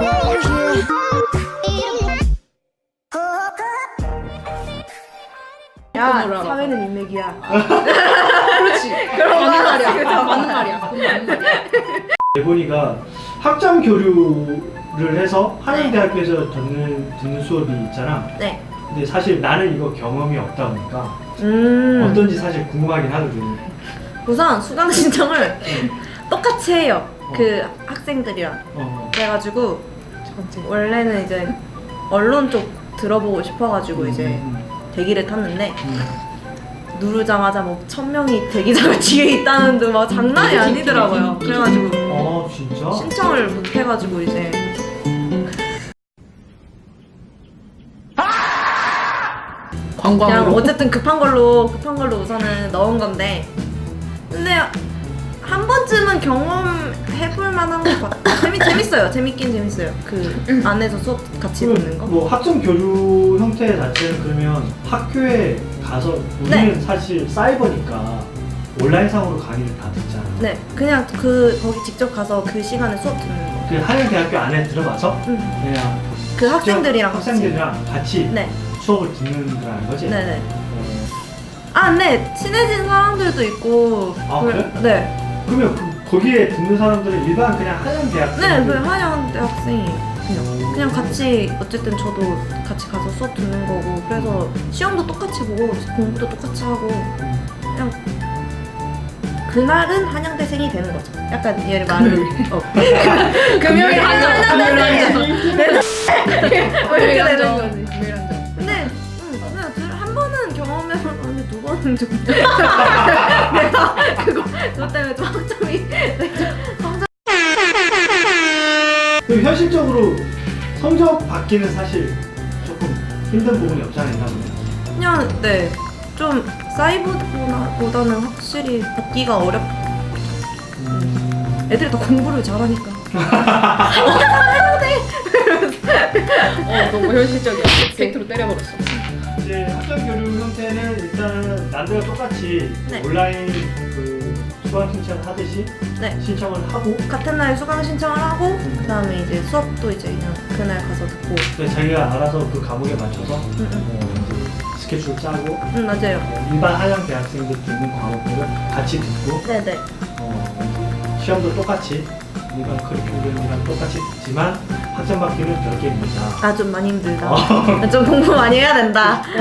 야, 사회는 인맥이야. 그렇지. 그런 맞는 말이야. 말이야. 맞는 말이야. 그건 맞는 말이야. 예본이가 학점 교류를 해서 한양대학교에서 듣는 수업이 있잖아. 네. 근데 사실 나는 이거 경험이 없다 보니까 어떤지 사실 궁금하긴 하거든. 우선 수강 신청을 똑같이 해요. 그 학생들이랑. 그래가지고 원래는 이제 언론 쪽 들어보고 싶어가지고 이제 대기를 탔는데 누르자마자 뭐 1000명이 대기자가 뒤에 있다는 듯 막 장난이 아니더라고요. 그래가지고 진짜? 신청을 못 해가지고 이제 그냥 관광으로. 어쨌든 급한 걸로 우선은 넣은 건데 근데 한 번쯤은 경험해볼 만한 것 같아요. 재밌어요. 재밌긴 재밌어요. 그 안에서 수업 같이 듣는 거. 뭐 학점 교류 형태 자체는 그러면 학교에 가서 우리는 사실 사이버니까 온라인상으로 강의를 다 듣잖아. 네, 그냥 거기 직접 가서 그 시간에 수업 듣는 거. 그 한양대학교 안에 들어가서 그냥 그 학생들이랑 같이 네, 수업을 듣는 거라는 거지? 네네. 아, 네, 친해진 사람들도 있고. 아, 그래? 네. 그러면 거기에 듣는 사람들은 일반 그냥 한양대학생? 네, 그 한양대 학생이에요. 그냥 같이 어쨌든 저도 같이 가서 수업 듣는 거고 그래서 시험도 똑같이 보고 공부도 똑같이 하고 그냥 그날은 한양대생이 되는 거죠. 약간 얘를 말을 금요일 한양대생 이렇게 되는 거지. 근데 그냥 한 번은 경험해봤는데 두 번은 좀 내가 그것 때문에 좀 학점이 그럼 현실적으로 성적 받기는 사실 조금 힘든 부분이 없잖아, 있나 보네. 그냥 네 좀 사이버보다는 확실히 받기가 어렵. 애들이 더 공부를 잘하니까. 너무 현실적이야. 팩트로 때려버렸어. 이제 학점 교류 형태는 일단은 남들과 똑같이 네. 온라인 그 수강 신청을 하듯이 네. 신청을 하고 같은 날 수강 신청을 하고 그다음에 이제 수업도 이제 그냥 그날 가서 듣고. 자기가 알아서 그 과목에 맞춰서 이제 스케줄 짜고 맞아요. 일반 한양 대학생들 듣는 과목들을 같이 듣고 네네. 시험도 똑같이 일반 커리큘럼이랑 똑같이 듣지만 학점 받기는 별개입니다. 아 좀 많이 힘들다. 좀 공부 많이 해야 된다.